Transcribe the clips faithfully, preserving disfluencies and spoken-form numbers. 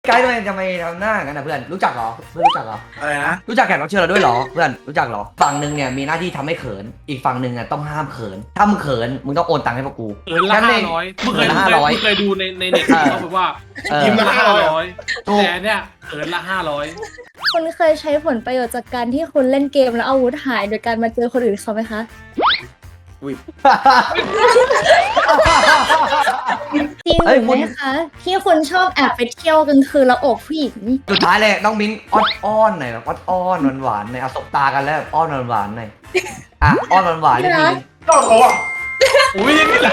ไกด์ทำไมทำไมทำหน้ากันนะเพื่อนรู้จักเหรอเพื่อนรู้จักเหรออะไรนะรู้จักแขกรับเชิญเราด้วยเหรอเพื่อนรู้จักเหรอฝั่งหนึ่งเนี่ยมีหน้าที่ทำให้เขินอีกฝั่งหนึ่งอ่ะต้องห้ามเขินถ้ามึงเขินมึงต้องโอนตังค์ให้พวกกูเขินละห้าร้อยมึงเคยละห้าร้อยมึงเคยดูในในเน็ตเขาบอกว่ายิ้มละห้าร้อยแต่เนี่ยเขินละห้าร้อยคุณเคยใช้ผลประโยชน์จากการที่คุณเล่นเกมแล้วอาวุธหายโดยการมาเจอคนอื่นเขาไหมคะ จริงหรือไม่คะที่คุณชอบแอบไปเที่ยวกลางคืนแล้วโอบผู้หญิงสุดท้ายเลยน้องมิ้นอ้อนอ้อนหน่อยแบบอ้อนอ้อนหวานหวานๆหน่อยเอาสบตากันแล้วแบบอ้อนหวานหวานๆหน่อยอ่ะอ้อนหวานหวานๆนิดนึงก็เขาอ่ะอุ้ยนี่แหละ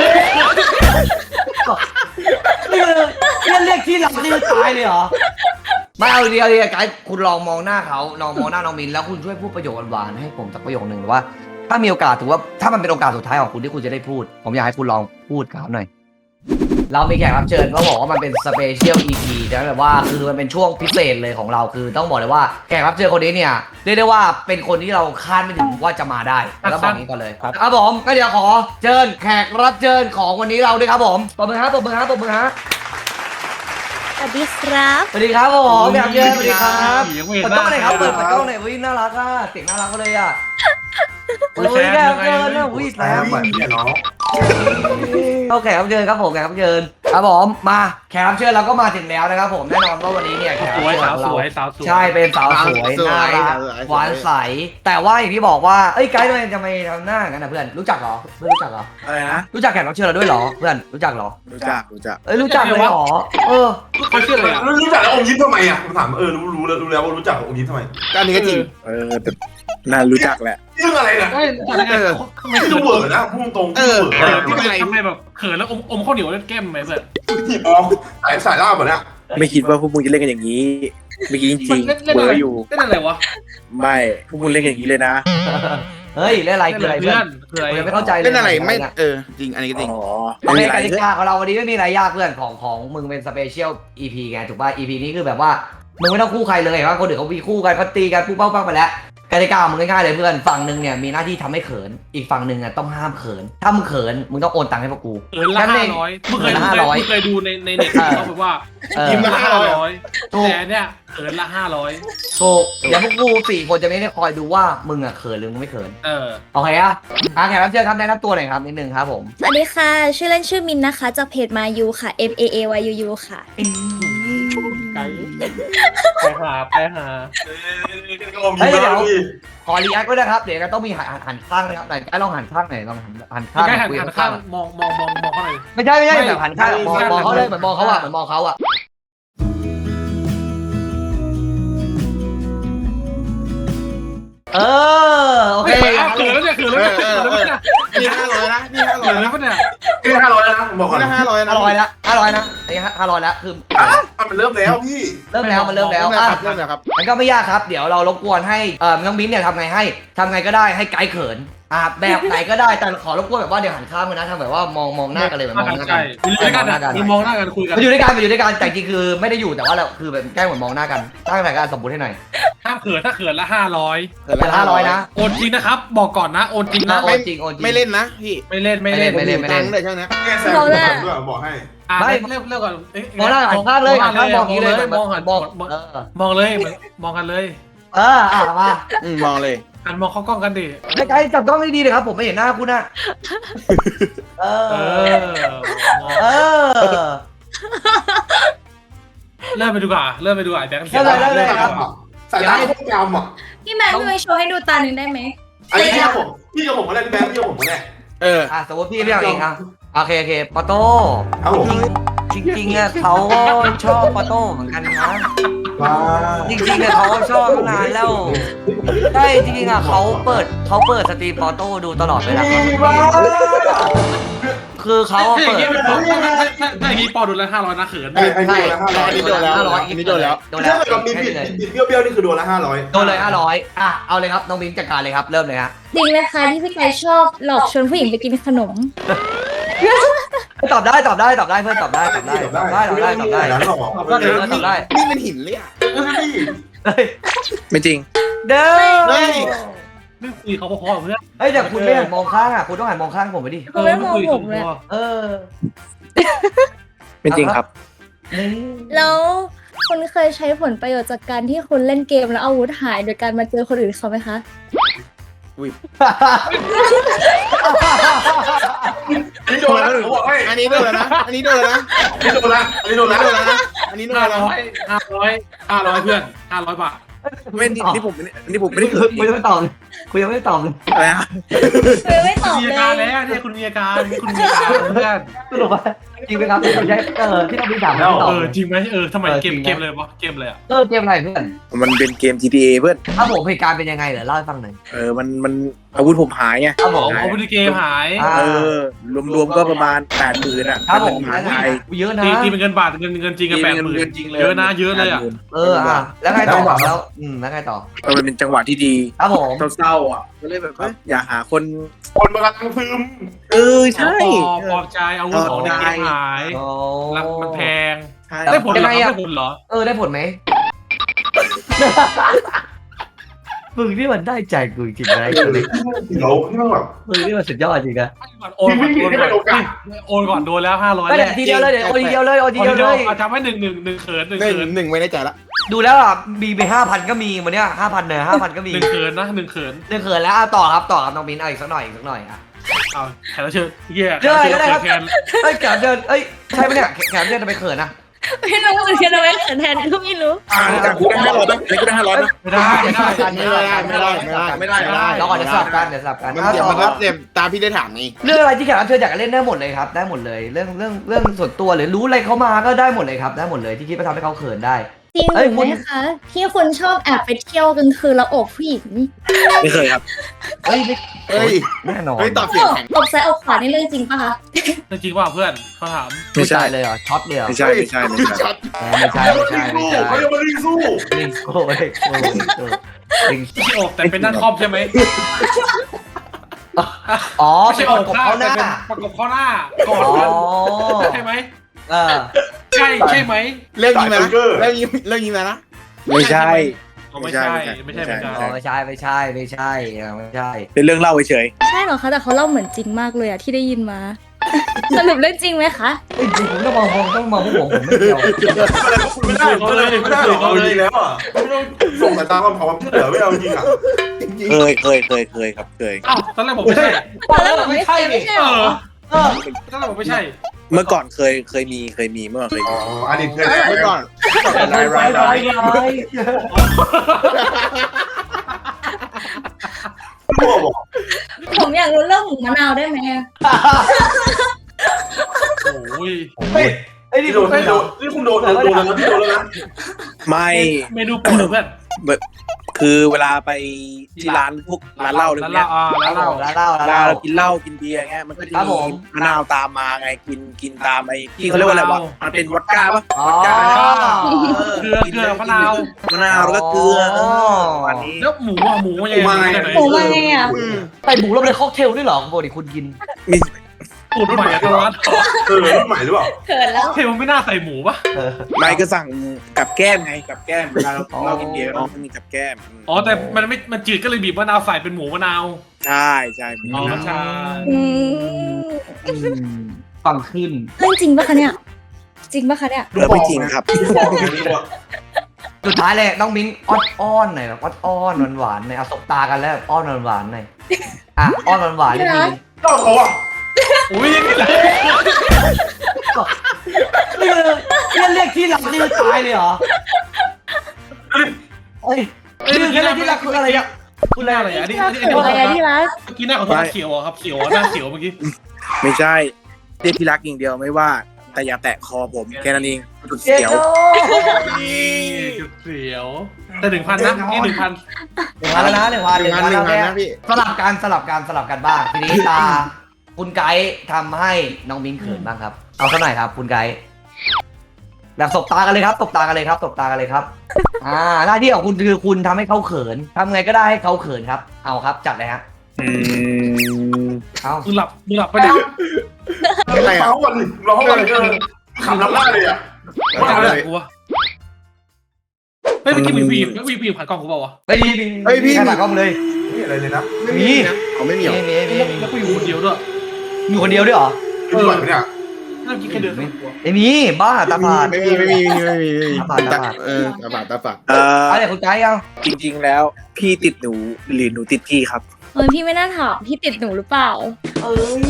นี่คือเรียกเรียกที่รักนี่คือตายเลยเหรอไม่เอาเดียวเลยไกด์คุณลองมองหน้าเขาลองมองหน้าน้องมิ้นแล้วคุณช่วยพูดประโยคหวานๆให้ผมสักประโยคหนึ่งว่า ถ้ามีโอกาสถือว่าถ้ามันเป็นโอกาสสุดท้ายของคุณที่คุณจะได้พูด ผมอยากให้คุณลองพูดกับเขาหน่อย เรามีแขกรับเชิญเขาบอกว่ามันเป็นสเปเชียล อี พี นะแบบว่าคือมันเป็นช่วงพิเศษเลยของเราคือต้องบอกเลยว่าแขกรับเชิญคนนี้เนี่ยเรียกได้ว่าเป็นคนที่เราคาดไม่ถึงว่าจะมาได้แล้วบอกนี้ก่อนเลยครับผมก็เดี๋ยวขอเชิญแขกรับเชิญของวันนี้เราด้วยครับผมปรบมือฮะปรบมือฮะปรบมือฮะสวัสดีครับสวัสดีครับผมแขกรับเชิญสวัสดีครับยังเปิไม่ดเห็นกล้องหน่อยครับเปิดหกล้องหน่อยวิ่งน่ารักอ่ะเสียงน่ารักก็เลยอ่ะโอ้ยแขกรับเชิญนะวิ่งแล้แล้ววเหมือนเนี่ยน้องเอาแขกรับเชิญครับผมแขกรับเชิญครับผมมาแขกรับเชิญเราก็มาถึงแล้วนะครับผมแน่นอนว่าวันนี้เนี่ยแขกสรับวยเชิญสาวของสเราวยสาวสวยใช่เป็นสาวสวยสวยน่ารักสวยหวานใสแต่ว่าอย่างที่บอกว่าเอ้ยไกด์ทำไมทำไมทำหน้ากันนะเพื่อนรู้จักเหรอเพื่อนรู้จักเหรออะไรนะรู้จักแขกรับเชิญเราด้วยเหรอเพื่อนรู้จักเหรอรู้จักรู้จักเอ้ยรู้จักเลยเหรอเออเขาชื่ออะไรอ่ะรู้จักแล้วอมยิ้มทำไมอ่ะผมถามเออรู้รู้แล้วรู้แล้วว่ารู้จักอมยิ้มทำไมก็อันนี้ก็จริงเออแต่น่ารู้จักแหละเรื่องอะไรเนี่ยเอ้ยอะไรไงทำไมไม่เขิดูนเบื่อนะพูดตรงเออเบื่อทำไมทำไมแบบเขินแล้วอมอมข้าวเหนียวเล่นแก้มไหมเพื่อนอ๋อสายสายล่าแบบเนี้ยไม่คิดว่าพวกมึงจะเล่นกันอย่างนี้ไม่คิดจริงเล่นๆเล่นเบอะอไรร์อยู่เล่นอะไรวะไม่พวกมึงเล่นกันอย่างนี้เลยนะเฮ้ยเล่นอะไรคืออะไรเพื่เพื่ออน นคืออะไรผมยังไม่เข้าใจเลยเล่นอะไรไม่เนี่ยเออจริงอันนี้ก็จริงอ๋อโอไม่เคมีอะไรกติกาของเราวันนี้ไม่มีอะไรยากเพื่อนของของมึงเป็นสเปเชียล อี พี ไงถูกป่ะ อี พี นี้คือแบบว่ามึงไม่ต้องคู่ใครเลยว่าคนอื่นเขามีคู่กันเขาตีกันปุ๊บเป้าปังไปแล้วกติกาของมึงง่ายๆเลยเพื่อนฝั่งหนึ่งเนี่ยมีหน้าที่ทำให้เขินอีกฝั่งหนึ่งอ่ะต้องห้ามเขินถ้ามึงเขินมึงต้องโอนตังค์ให้พวกกูเขินละห้าร้อยมึงเคยเขินละห้าร้อยมึงเคยดูในในเน็ตเขาบอกว่าเออยิ้มละห้าร้อยถูกแต่เนี่ยเขินละห้าร้อยถูกเดี๋ยวพวกกูสี่คนจะไม่ได้คอยดูว่ามึงอ่ะเขินหรือมึงไม่เขินเออโอเคอ่ะอ่ะแขกรับเชิญครับแนะนำตัวหน่อยครับนิดนึงครับผมสวัสดีค่ะ ชื่อเล่นชื่อมินนะคะ จากเพจมายูค่ะ M A A Y U U ค่ะไกลไปหาไปหาก็อมยิ้มแล้วพี่ขอรีแอคด้วยนะครับเดี๋ยวก็ต้องมีหันหันข้างนะครับไหนไอ้ลองหันข้างหน่อยลองหันหันข้างใกล้หันคุยหันข้าข้าง งอะมองมองมองมองเขาหน่อยไม่ใช่ไม่ใช่ไม่แบบหันข้างมองไม่มองเขาเลยไม่เหมือนมองเขาอะเหมือนมองเขาอะเออโอเคเขินแล้วเนี่ยเขินแล้วเนี่ยเขินแล้วเนี่ยนี่ห้าร้อยนะนี่ห้าร้อเขิยนนะแล้วเนี่ยนี่ห้าร้อยแล้วนะผมบอกก่อนนี่ห้าร้อยนะห้าร้อยแล้วห้าร้อยนะไอ้ห้าร้อยแล้วคืออ่ะมันเริ่มแล้วพี่เริ่มแล้วมันเริ่มแล้วเริ่มแล้วอ่ะครับเริ่มแล้วครับมันก็ไม่ยากครับเดี๋ยวเรารบกวนให้เอ่อน้องมิ้นเนี่ยทำไงให้ทำไงก็ได้ให้ไกด์เขินอ่ะแบบไหนก็ได้แต่ขอรบกวนแบบว่าเดี๋ยวหันข้างกันนะทำแบบว่ามองมองหน้ากันเลยเหมือนมองหน้ากัใช่นอยู่ด้วยกันนะมีมองหน้ากันคุยกันมาอยู่ด้วยกันมาอยู่ด้วยกันแต่จริงคือไม่ได้อยู่แต่ว่าเราคือแบบแกล้งเหมือนมองหน้ากันตั้งแต่การสมบูรณ์ให้หน่อยห้ามเขินถ้าเขินละห้าร้อยเป็นห้าร้อยนะโอนจริงนะครับ บอกก่อนนะโอนจริงนะโอนจริงโอนจริงไม่เล่นนะพี่ไม่เล่นไม่เล่นไม่เล่นตังค์เลยช่วงนี้แกแซงด้วยบอกให้อ่ะไม่เริ่มเริ่มก่อนเอ๊ะมองหน้าหันข้างเลยหันข้างมองอย่างนี้เลยมองหันมมออง งเออมองเลยมองกันเลยเอออ่ะมาอืมมองเลยหันมองเข้ากล้องกันดิไอ้ไกด์จับกล้องให้ดีเลยครับผมไม่เห็นหน้าคุณนะเอเอออเออเริ่มไปดูก่อนเริ่มไปดูก่อนแบงค์เริ่มเลยเริ่มเลยครับสายตาโคตรจำอ่ะพี่แมนพี่ไปโชว์ให้ดูตาหนึ่งได้ไหมอันนี้พี่กับผมพี่กับผมก็ได้พี่แบงค์พี่กับผมก็ได้เอออ่ะสมมติพี่เรียกเองอ่ะโอเคโอเคปอโต้ครับผมจริงจริงๆอ่ะเขาก็ชอบปอโต้เหมือนกันนะว้าจริงๆอ่ะเขาชอบมานานแล้วใช่จริงๆอ่ะเขาเปิดเขาเปิดสตรีมปอโต้ดูตลอดเวลาว้าคือเขาถ้าอเปิย่างดนี้เป็นถ้าถ้าถ้าถ้าอย่างนี้ปอดูแล้วห้าร้อยนะเขินไอ้ไอ้นี่โดนละห้าร้อยอันนี้โดนแล้วห้าร้อยอันนี้โดนแล้วโดนแล้วถ้าเกิดเรามีบิดบิดเบี้ยวๆนี่คือโดนละห้าร้อยโดนเลยห้าร้อยอ่ะเอาเลยครับน้องมิ้งจัดการเลยครับเริ่มเลยฮะจริงนะคะที่พี่ไก่ชอบหลอกชวนผู้หญิงไปกินขนมตอบได้ตอบได้ตอบได้เพื่อนตอบได้ตอบได้ตอบได้ตอบได้ตอบได้แล้วหรอก็เดี๋ยวตอบได้นี่เป็นหินเลยอ่ะเฮ้ยไม่จริงเด้อเฮ้ยไม่คุยเขาพอๆกับเพื่อนเฮ้ยแต่คุณไม่หันมองข้างอ่ะคุณต้องหันมองข้างผมไปดิเขาไม่มองผมเลยเออเป็นจริงครับนี่แล้วคุณเคยใช้ผลประโยชน์จากการที่คุณเล่นเกมแล้วอาวุธหายโดยการมาเจอคนอื่นเขาไหมคะอันนี้โดนแล้วผมบอกให้อันนี้โดนแล้วนะ อันนี้โดนแล้วนะอันนี้โดนแล้วอันนี้โดนอันแล้วนี้โดนแล้วนะอันนี้โดนห้าแล้วร้อยห้าร้อยห้าร้อยเพื่อนห้าร้อยบาทไม่นี่นี่ผมนี่ผมไม่ได้คุณยังไม่ตอบเลยคุณยังไม่ตอบเลยอะไรนะคือไม่ตอบมีเลอาการยแล้วเนี่ยคุณมีอาการคุณมีอาการเพื่อนสรุปว่าจริงไหมครับคุณใช้เออที่ต้องมีถามไม่ตอบเออจริงไหมเออทำไมเกมเกมเลยวะเกมเลยอ่ะเออเกมอะไรเพื่อนมันเป็นเกม จี ที เอ เพื่อนถ้าผมเหตุการณ์เป็นยังไงเหรอเล่าให้ฟังหน่อยเออมันมันอาวุธผมหายไงครับผมเอาไปดูเกมหายอ่าเออรวมๆก็ประมาณแปดหมื่นอ่ะครับผมหายหายเยอะนะตีตีเป็นเงินบาทเงินเงินจริงกันแปดหมื่นเงินจริงเลยเยอะนะเยอะเลยอ่ะเอออ่ะแล้วไงต่อแล้วอืมแล้วไงต่อเออมันเป็นจังหวะที่ดีครับผมเศร้าๆอ่ะก็เลยแบบว่าอยากหาคนคนมันกำลังซึมเออใช่ปลอบปลอบใจอาวุธของในเกมหายโอ้รักมันแพงใช่ได้ผลเหรอยังไงอะได้ผลเหรอเออได้ผลไหม มึงนี่มันได้ใจกูจริงๆนะเดี๋ยวที่มันแบบมึงนี่มันสุดยอดจริงนะโอนก่อนพี่โอนไม่ก่เป็นโอกาอสนโอนก่อนโดนแล้วห้าร้อยไม่แรแต่กทีเดียวเลยเดี๋ยวโอทีเดียวเลยโอทีโอนเดียวเดีเลยวย เอาจำไว้หนึ่งหนึ่งหนึ่งเขินหนึ่งหนึ่งเขินหนึ่งไม่ได้ใจละดูแล้วอ่ะมีไปห้าพันก็มีวันเนี้ยห้าพันเนี่ยห้าพันก็มีหนึ่งเขินนะหนึ่งเขินเรื่องเขินแล้วเอาต่อครับต่อครับน้องมิ้นเอาอีกสักหน่อยอีกสักหน่อยอ่ะเอาแขกรับเชิญเหี้ยเจออะไรก็ได้ครับแขกเอ้ยแขมเดินเอ้ยใช่ไหมเนี่ยแขมเดินทำไมเขินอ่ะไม่รู้เหมือนกันทำไมเขินแทนก็ไม่รู้อ่าจากกูได้ห้าร้อยป่ะกูได้ห้าร้อยป่ะไม่ได้ไม่ได้ไม่ได้ไม่ได้ไม่ได้ไม่ได้ไม่ได้เราก่อนจะสลับกันเดี๋ยวสลับกันมันเอาเดี๋ยวต่อมันคก็รับเดี๋ยวตามพี่ได้ถามไงเรื่องอะไรที่แขกรับเชิญอยากเล่นได้หมดเลยครับได้หมดเลยเรื่องเรื่องเรื่องส่วนตัวหรือรู้อะไรเขามาก็ได้หมดเลยครับได้หมดเลยที่คิดว่าทำให้เขาเขินได้จริงหเอ้ยรือคุณไม่คะที่คุณชอบแอบไปเที่ยวกลางคืนแล้วโอบผู้หญิงไม่เคยครับเฮ้ยไม่เฮ้ยแน่นอนเฮ้ยตอบเสียงแข็งอบซ้ายอบขวานี่เรื่องจริงปะคะจริงว่าเพื่อนเขาถามไม่ใช่เลยเหรอช็อตเลยเหรอไม่ใช่ไม่ใช่ไม่ใช่ช็อตไม่ใช่ไม่ใช่ไม่ใช่เขาเรียกว่ารีสู้ลิงโก้ลิงโก้ลิงโก้ลิงไม่ใช่อกแต่เป็นด้านครอบใช่ไหมอ๋อไม่เป็ใช่นอประกกบข้างเขาหแต่น้าเป็นประกบข้อหน้าก่อนอ๋อใช่ไหมเออใช่ใช่ไหมเรื่องนี้มานะเรื่องนี้เรื่องนี้มานะไม่ใช่ไม่ใช่ไม่ใช่เหมือนกันอ๋อไม่ใช่ไม่ใช่ไม่ใช่ไม่ใช่เป็นเรื่องเล่าเฉยใช่เหรอคะแต่เขาเล่าเหมือนจริงมากเลยอะที่ได้ยินมา สรุปเรื่องจริงไหมคะจริงๆผมต้องมองผมต้องมองพวกผมผมไม่เกี่ยวอะไรก็คุณไม่ได้ไม่ได้ไม่ได้เอาจริงแล้วอ่ะไม่ต้องส่งสายตาความขอความช่วยเหลือไม่เอาจริงอ่ะเคยเคยเคยเคยครับเคยอ้าวตอนแรกผมไม่ใช่ตอนแรกผมไม่ใช่ไม่ใช่เอเหรออเออตอนแรกผมไม่ใช่เมื่อก่อนเคยเคยมีเคยมีเมื่อก่อนเคยอ๋มีออันนี้เคยเมื่อก่อนไรไรไรไรรั่วบอกผมอยากรู้เรื่องหมูมะนาวได้ไหมอะโอ้ยเฮ้ยไอ้นี่นี่ดูโดนไม่นี่โดดูนนี่คุณโดนโดนแล้วนะพี่โดนแล้วนะไม่เมนูโปรดเพื่อนคือเวลาไปที่ร้านพวกร้านเหล้าอะไรพวกแล้เนี้วย อ่าแล้วเราแล้วเล่าเวแล้วลาเล่าเรากินเหล้ากินเบียร์เงี้ยมันก็จะครับผมีมมะนาวตามมาไงกินกินตามไอ้ที่เขาเรียกว่าอะไรวะมันเป็นวอดก้าปะอ๋อเกลือเกลือมะนาวมะนาวแล้วก็เกลืออ๋อวันนี้แล้วหมูอ่ะหมูยังไงไหนหมูมาไงอะใส่หมูลงในค็อกเทลด้วยเหรอปกติคุณกินมีสูตรใหม่ตลอดเออรุ่นใหม่หรือเปล่าเขินแล้วเทลไม่น่าใส่หมูปะเออไม่ก็สั่งกับแก้มไงกับแก้มเวลาเราเรากินเบียร์เราต้องมีกับแก้มอ๋อแต่มันไม่มันจืดก็เลยบีบมะนาวใส่เป็นหมูมะนาวใช่ใช่อ๋อใช่อืมอืมฟังขึ้นเรื่องจริงปะคะเนี่ย จริงปะคะเนี่ยเออไม่จริงครับบอกเลยดีกว่าสุดท้ายเลยน้องมิ้นอ้อนอ้อนหน่อยแบบอ้อนอ้อนหวานหวานๆหน่อยเอาสบตากันแล้วอ้อนหวานหวานๆหน่อยอ่ะอ้อนหวานหวานๆนิดนึงก็เขาอ่ะอุ้ยนี่แหละนี่คือเรียกเรียกที่รักนี่คือตายเลยเหรอเอ้ยนี่คือเรียกที่รักคืออะไรอ่ะคุณแรกอะไรอ่ะนี่ที่รักนี่เขินอะไรอะที่รักเมื่อกี้หน้าขอโทษเขียวอ่ะครับเขียวหน้าเขียวเมื่อกี้ไม่ใช่เรียกที่รักอย่างเดียวไม่ว่า แต่อย่าแตะคอผมแค่นั้นเองจุดเจ๊เสียวโดจุดเสียวแต่หนึ่งพันนะนี่หนึ่งพันหนึ่งพันแล้วนะหนึ่งพันหนึ่งพันหนึ่งพันนะพี่สลับกันสลับกันสลับกันบ้างทีนี้ตาคุณไกด์ทำให้น้องมิ้นเขินบ้างครับ เอาสักหน่อยครับคุณไกด์แบบสบตากันเลยครับตบตากันเลยครับตบตากันเลยครับ อ่าหน้าที่ของคุณคือคุณทำให้เขาเขินทำไงก็ได้ให้เขาเขินครับ เอาครับจัดเลยฮะอืมเอามึงหลับมึงหลับไปเนี่ยอะไรอ่ะร้องก่อนร้องก่อนเออขำน้ำหน้าเลยอ่ะไม่เอาเลยกูวะเฮ้ยเมื่อกี้มีผู้หญิงมีผู้หญิงผ่านกล้องกูเปล่าวะไม่ดีมีใครฝากกล้องเลยไม่อะไรเลยนะไม่มีนะเขาไม่มีหรอมีมีมีมีแล้วกูอยู่คนเดียวด้วยมีคนเดียวด้วยเหรอไม่ไหวไหมเนี่ยใมื่อกี้แค่เดินสวนตัวไม่มีบ้าตาฝาดไม่มีไม่มีไม่มีไม่มีตาฝาดตาฝาดเออตาฝาดตาฝาดเอ่ออะไรคุณไกด์ยังจริงๆแล้วพี่ติดหนูหรือหนูติดพี่ครับเออพี่ไม่น่าถามพี่ติดหนูหรือเปล่าเอ้ย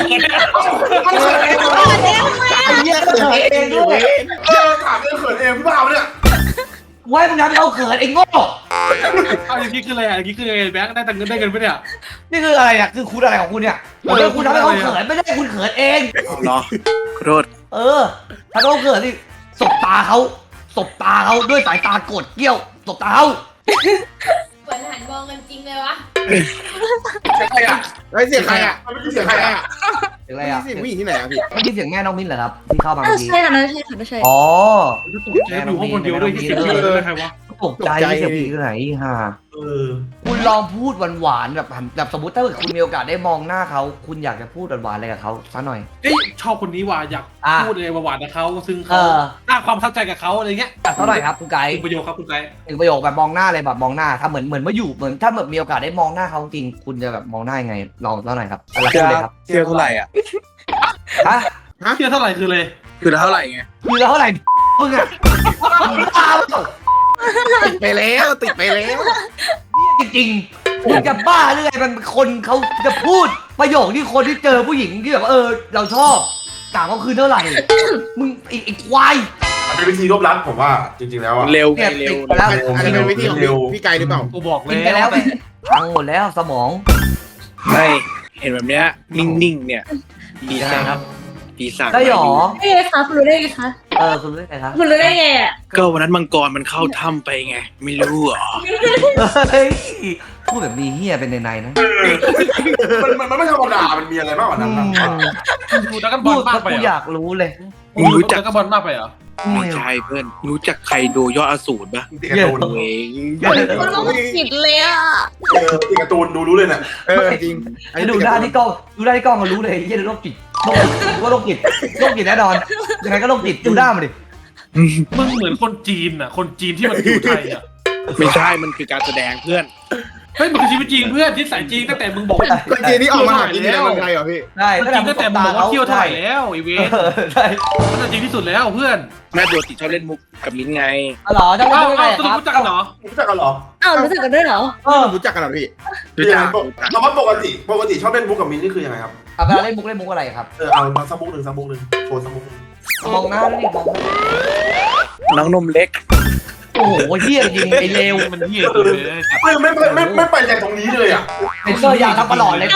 ไอ้เหี้ยเขินเองด้วยเออถามเรื่องเขินเองพี่เปล่าเนี่ยไว้มึงทำให้เขาเขินไอ้โง่เอาอย่างนี้คืออะไรอ่ะอย่างนี้คือไงแบงค์ได้แต่เงินได้เงินปะเนี่ยนี่คืออะไรอ่ะคือคุณอะไรของคุณเนี่ยผมเป็นคุณทำให้เขาเขินไม่ได้คุณเขินเองเนาะขอโทษเออถ้าเขาเขินสิสบตาเขาสบตาเขาด้วยสายตาโกรธเกี้ยวสบตาเขาเหมือนหันมองกันจริงเลยวะใครอ่ะไอ้เสียงใครอ่ะมันไม่ใช่เสียงใครอ่ะเสียงอะไรอ่ะเสียงผู้หญิงที่ไหนอ่ะพี่เมื่อกี้เสียงแม่น้องมิ้นเหรอครับที่เข้ามาเออเมื่อกี้ใช่ค่ะนั่นใช่ค่ะไม่ใช่อ๋อตกใจอยู่ห้องคนเดียวด้วยที่เสียงเยอะใครวะตกใจที่เสียงผู้หญิงที่ไหนฮะเออคุณลองพูดหวานๆแบบหันแบบสมมติถ้าเกิดคุณมีโอกาสได้มองหน้าเขาคุณอยากจะพูดหวานๆอะไรกับเขาสักหน่อยเอ้ยชอบคนนี้ว่ะอยากอ่ะพูดอะไรหวานๆกับเขาซึ่งเอเขาอสร้างความประทับใจกับเขาอะไรเงี้ยอ่ะเท่าไหร่ครับคุณไก่หนึ่งประโยคครับคุณไกด์หนึ่งประโยคแบบมองหน้าเลยแบบมองหน้าถ้าเหมือนเหมือนว่าอยู่เหมือนถ้าแบบมีโอกาสได้มองหน้าเขาจริงคุณจะแบบมองหน้ายังไงลองเท่าไหร่ครับอะไรพูดเลยครับเที่ยวเท่าไหร่อ่ะฮะเที่ยวเท่าไหร่คือเลยคือเท่าไหร่ไงคือเท่าไหร่มึงอะบ้าเปล่าติดไปแล้วติดไปแล้วจริงๆมึงจะบ้าหรือไงมันคนเขาจะพูดประโยคที่คนที่เจอผู้หญิงที่แบบเออเราชอบถามเขาคือเท่าไหร่มึงไอ้ไอ้ควายมันเป็นวิธีรวบรัดผมว่าจริงๆแล้วอ่ะเร็วไงเนี่ยเร็วติดไปแล้วอันนี้เป็นวิธีของพี่พี่ไกลหรือเปล่ากูบอกกินแล้ไปแล้ววไปพังหมดแล้วสมองไม่เห็นแบบเนี้ยนิ่งๆเนี่ยปีศาจครับปีศาจได้หรอได้ไงคะคุณรู้ได้ไงคะเออคุณรู้ได้ไงครับคุณรู้ได้ไงอ่ะก็วันนั้นมังกรมันเข้าถ้ำไปไง ไม่รู้เหรอเฮ้ยพูดแบบมีเฮียเป็นในๆนะมันมันมันไม่ธรรมดา มันมีอะไรมากกว่านั้นนะดูดักกันบพูอลดมากแล้วไปกูเหรออยากรู้เลยมึงรู้จักดักกันบอลมากไปเหรอไม่ใช่เพื่อนรู้จักใครดูยอดอสูรปะตีการ์ตูนตัวเองมันต้องผิดเลยอ่ะเออตีการ์ตูนดูรู้เลยเนี่ยเออจริงไอ้ดูหน้าที่กล้องดูหน้าที่กล้องก็รู้เลยเฮียโรคจิตโรคจิตว่าโรคจิตโรคจิตแน่นอนยังไงก็โรคจิตดูหน้ามันดิมึงเหมือนคนจีนอ่ะคนจีนที่มันอยู่ไทยอ่ะไม่ใช่มันคือการแสดงเพื่อนเฮ้ยมันคือชีวิตจริงเพื่อนที่สายจริงตั้งแต่มึงบอกว่าคนจีนนี่ออกมาหากินในเมืองไทยเหรอพี่ใช่จริงตั้งแต่มึงบอกว่าเที่ยวไทยแล้วไอเวเอสอใช่มันจริงที่สุดแล้วเพื่อนแม่ตัวติดชอบเล่นมุกกับมิ้นไงอ๋อเหรอจะเอ้าพูดได้เอ้าไงสครุปรับรู้จักกันเหรอรู้จักกันเหรออ้าวรู้สึกกันด้วยเหรอเออรู้จักกันเหรอพี่รู้จักเราว่าปกติปกติชอบเล่นมุกกับมินนี่คือยังไงครับเอาเวลาเล่นมุกเล่นมุกอะไรครับเออเอามาสักมุกหนึ่งสักมุกหนึ่งโชว์สักมุกหนึ่งมองหน้าแล้วดิมองหน้าน้องนมเล็กโอ้โหเฮียจริงไอ้เลวมันเหี้ยจริงเลยไม่ไม่ไม่ไม่ไม่ไปจากตรงนี้เลยอ่ะเป็นเซอร์ยาวทั้งตลอดเลยไป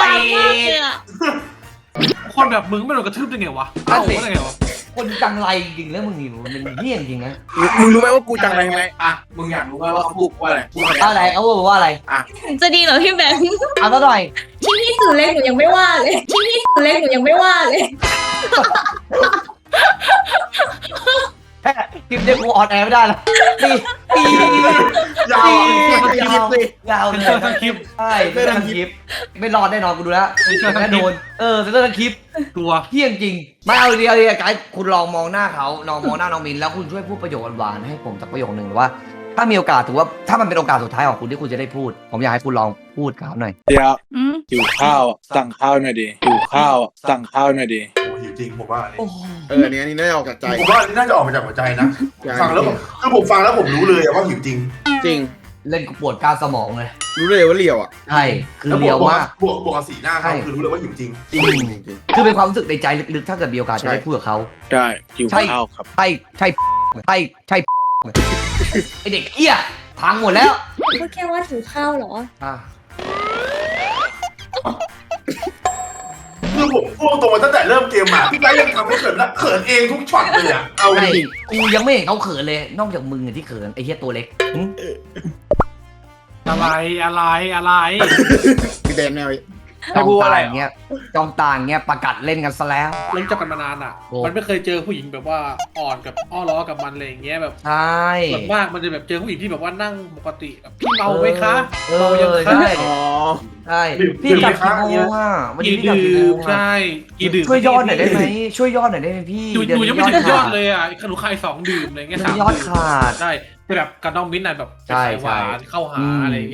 คนแบบมึงไม่โดนกระทืบได้ไงวะเอ้าได้ไงวะคนจังไรจริงแล้วมึงนี่มันเป็นเฮี้ยจริงนะมึงรู้ไหมว่ากูจังอะไรไหมอ่ะมึงอยากรู้ไหมว่าเขาพูดว่าอะไรพูดว่าอะไรอะไรเอาบอกว่าอะไรจะดีเหรอพี่แบงค์เอาซะหน่อยที่พี่สื่อเล็กหนูยังไม่ว่าเลยที่พี่สื่อเล็กหนูยังไม่ว่าเลยแค่คลิปเดียวกูออนแอร์ไม่ได้ละปีปียาวอ่ะยาวยาวเป็นเลเชื่อย ทั้งคลิปใช่เซนเตอร์ทั้งคลิปไม่รอดแน่นอนกูดูแล้วไม่เชื่อทั้งคลิปแน่โดนเออเซนเตอร์ทั้งคลิปตัวเฮี้ยจริงไม่เอาเดียวเลยไกด์คุณลองมองหน้าเขาลองมองหน้าน้องมินแล้วคุณช่วยพูดประโยคหวานๆให้ผมสักประโยคหนึ่งหรือว่า ถ้ามีโอกาสถือว่าถ้ามันเป็นโอกาสสุดท้ายของคุณที่คุณจะได้พูด ผมอยากให้คุณลองพูดกับเขาหน่อยเดี๋ยวอืมหิวข้าวอ่ะสั่งข้าวหน่อยดิหิวข้าวอ่ะสั่งข้าวหน่อยดิโอ้หิวจริงผมว่าอันนี้โอ้เอออันนี้อันนี้น่าจะออกจากใจผมว่าอันนี้น่าจะออกมาจากหัวใจนะ ฟังแล้วผมคือผมฟังแล้วผมรู้เลยว่าหิวจริงจริงเล่นกูปวดกล้ามสมองเลยรู้เลยว่าเลียวอ่ะใช่คือเลียวมากบวกบวกกับสีหน้าเขาใช่คือรู้เลยว่าหิวจริงจริงจริงจริงคือเป็นความรู้สึกในใจลึกๆถ้าเกิดมีโอกาสจะได้พูดกับเขาได้หิวใช่ข้าวครับใช่ใช่ใช่ใช่ไอเด็กเอี้ยพังหมดแล้วพูดแค่ว่าถือข้าวเหรออ่ะคือผมพูดตรงมาตั้งแต่เริ่มเกมมาพี่ไกด์ยังทำให้เขินละเขินเองทุกช็อตเลยอ่ะเอาใช่ดิกูยังไม่เห็นเขาเขินเลย นอกจากมึงอะที่เขินไอ้เหี้ยตัวเล็กหึอะไรอะไรอะไรพี่เดนแนวให้พูดว่าอะไรจงตาย่างเงี้ยจองตาอย่างเงี้ยประกาศเล่นกันซะแล้วเล่นจับกันมานานอ่ะโอ้มันไม่เคยเจอผู้หญิงแบบว่าอ่อนกับอ้อล้อกับมันอะไรอย่างเงี้ยแบบใช่ส่วนมากมันจะแบบเจอผู้หญิงที่แบบว่านั่งปกติแบบพี่เมาไหมคะเอเมาอยังคะใช่อ๋อใช่พี่กลับกี่โมงอ่ะวันนี้กี่พี่กลับดื่กี่โมมงใช่อ่ะกี่ดื่มช่วยยอดหน่อยได้ไหมช่วยยอดหน่อยได้ไหมพี่อยู่เดี๋วอยู่ยังไม่นี้ถึงยอดขาเลยอ่ะขนุนคายสองดื่มอะไรเงี้ยเดี๋ยวสามนี้ยอดดื่มขาดใช่แต่แบบกับน้องมิ้นท์น่ะแบบใช่สายหวานใช่เข้าหาอืมอะไรอย่างเงี้ย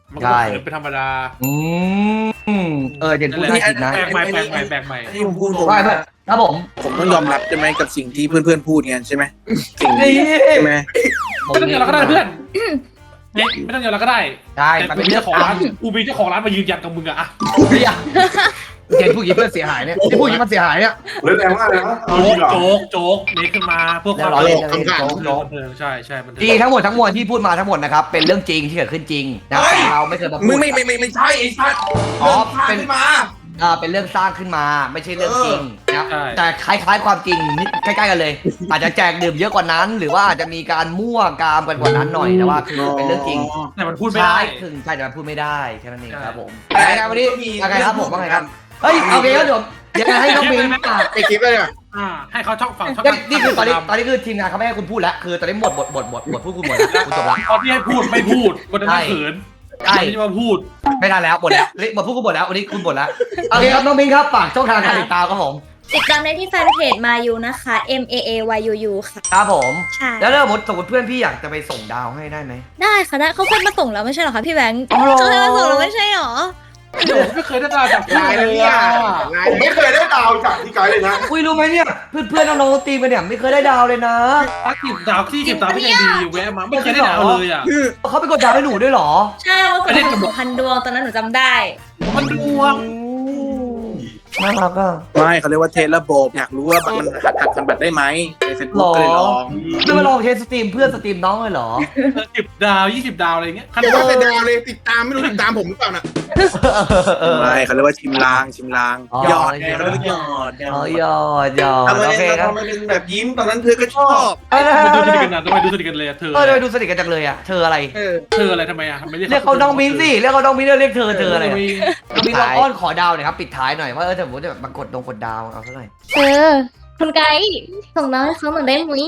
มันก็เขินเป็นธรรมดาอืมเออเด่นพูดได้ผิดนะแบกใหม่แบกใหม่แบกใหม่ที่ผมพูดผมว่าเพื่อนครับผมผมต้องยอมรับใช่ไหมกับสิ่งที่เพื่อนๆพูดไงใช่ไหมสิ่งนี่นี้ใช่ไหมไม่ต้องยอมเราก็ได้เพื่อนเนี่ยไม่ต้องยอมเราก็ได้ใช่แต่มันกูเป็นมีเรื่อเจ้าง ของร้านกูมีเจ้าของร้านมายืนยันกับมึงอะอะเฮ้ยเด่นพูดอย่างนี้เพื่อนเสียหายเนี่ยที่พูดอย่างนี้มันเสียหายเนี่ยเล่นแรงมากเลยนะเอาโจ๊จริกงเหรอโจ๊กโจ๊กเมคขึ้นมาเพื่อความเรียบร้อยบันเลยเทิงโจ๊กบันเทิงใช่ใช่บันเทิจริงทั้งหมดทั้งมวลที่พูดมาทั้งหมดนะครับเป็นเรื่องจริงที่เกิดขึ้นจริงนะแต่เราไม่เคยมาพูมึดงไม่ไม่ไม่ไม่ใช่ไอ้สัตว์อ๋อเป็เป็นนมาอ่าเป็นเรื่องสร้างขึ้นมาไม่ใช่เรื่องจริงนะใช่แต่คล้ายๆความจริงนิดใกล้ๆกันเลย อาจจะแจกดื่มเยอะกว่านั้น หรือว่าอาจจะมีการมั่วกามกันกว่านั้นหน่อยแต่ว่าคือเป็นเรื่องจริงแต่มันพูดไม่ได้ใช่ถึงใช่แต่มันพูดไม่ได้แค่นั้นเองครับผมยังไงวันนี้ยังไงครับผมว่าไงครับเฮ้ยโอเคครับเดี๋ยวเดี๋ยวให้น้องบินอ่ะไอคลิปเลยเนี่ยอ่าให้เขาช่องฝั่งช่องนี่นี่คือตอนนี้ตอนนี้คือทีมงานเขาไม่ให้คุณพูดแล้วคือตอนนี้หมดบทบทบทบทพูดคุณหมดแล้วคุณจบแล้วตอนที่ให้พูดไม่พูดวันนั้นเขินใช่วันนี้จะมาพูดไม่ทันแล้วหมดแล้วหมดพูดคุณหมดแล้ววันนี้คุณหมดแล้วโอเคครับน้องบินครับฝากช่องทางการติดตามครับผมติดตามได้ที่แฟนเพจมายูนะคะ M A A Y U U ค่ะครับผมใช่แล้วถ้าสมมติสมมติเพื่อนพี่อยากจะไปส่งดาวให้ได้ไหมได้ค่ะได้เขาเคยมาส่งแล้วไม่ใช่เหรอคะพี่แบงค์อ๋อเหรอเขาเคยมาส่งแล้วไม่ใช่เหรอโอ้ไม่เคยได้ดาวจากลายเลแล้วยเนี่ยอ่ะลายผมไม่เคยได้ดาวจากพี่ไกด์เลยนะอุ้ยรู้ไหมเนี่ยเพื่อนเพื่อนน้องๆตีมกันเนี่ยไม่เคยได้ดาวเลยนะพักกิบดาวที่กิบดาวพี่ใจดีแวะมาไม่เคยได้ดาวเลยอ่ะเขาไปกดดาวให้หนูด้วยเหรอใช่ว่าไม่ได้ส่งกำหนดพันดวงตอนนั้นหนูจำได้มันดวงน่ารักอ่ะไม่เขาเรียกว่าเทสระบบอยากรู้ว่ามันหัดหัดทำแบบได้ไหมในเฟซบุ๊กก็เลยลองจะมาลองเทสสตรีมเพื่อนสตรีมน้องเลยเหรอสิบดาวยี่สิบดาวอะไรเงี้ยเดี๋ยวว่าแต่ดาวเลยติดตามไม่รู้ติดตามผมหรือเปล่าน่ะไม่เขาเรียกว่าชิมลางชิมลางอ๋อหยอดไงเขาเรียกว่าหยอดอ๋อยอดยอดทำไมโอเคครับทำไมเป็นแบบยิ้มตอนนั้นเธอก็ชอบเออดูสนิทกันนะทำไมดูสนิทกันเลยเธอเออทำไมดูสนิทกันจังเลยอ่ะเธออะไรเออเธออะไรทำไมอ่ะทำไมเรียกเขาน้องมิ้นสิเรียกเขาน้องมิ้นเรียกเธอเธออะไรอะมีน้องมิ้นลองอ้อนขอดาวหน่อยครับปิดท้ายหน่อยว่าเออถ้าสมมติจะมากดดงกดดาวเอาเท่าไหร่เออคุณไกด์ส่งน้องให้เขาหน่อยได้ไหม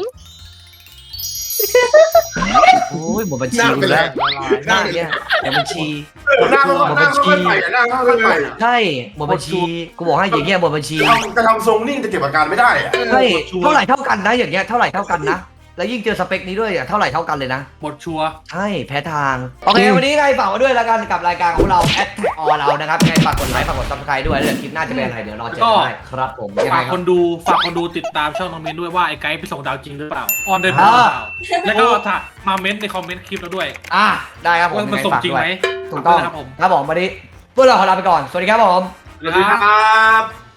โอ้ยหมดบัญชีอยู่แล้วหน้าเนี่ยหมดบัญชีหน้าเขาหน้าเขาค่อยไปอะหน้าเขาค่อยไปอะใช่หมดบัญชีกูบอกให้อย่างเงี้ยหมดบัญชีทำจะทำทรงนิ่งจะเก็บอาการไม่ได้อะใช่เท่าไหร่เท่ากันนะอย่างเงี้ยเท่าไหร่เท่ากันนะแล้วยิ่งเจอสเปคนี้ด้วยอ่ะเท่าไหร่เท่ากันเลยนะหมดชัวร์ใช่แพ้ทางโอเควันนี้ไงฝากมาด้วยแล้วกันกับรายการของเราแอดแท็กออเรานะครับไงฝากกดไลค์ฝากกดซับสไครต์ด้วยแล้วเดี๋ยวคลิปหน้าจะเป็นอะไรเดี๋ยวรอเจอกันได้ครับผมยังไงฝากคครับ นดูฝากคนดูติดตามช่องน้องเมนด้วยว่าไอ้ไกด์ไปส่งดาวจริงหรือเปล่าออนได้หรือเปล่าแล้วก็ถ้ามาเมนต์ในคอมเมนต์คลิปเราด้วยอ่ะได้ครับผมว่ามันส่งจริงไหมถูกต้องครับผมครับผมวันนี้พวกเราขอลาไปก่อนสวัสดีครับผมนะสวัสดีครับครับ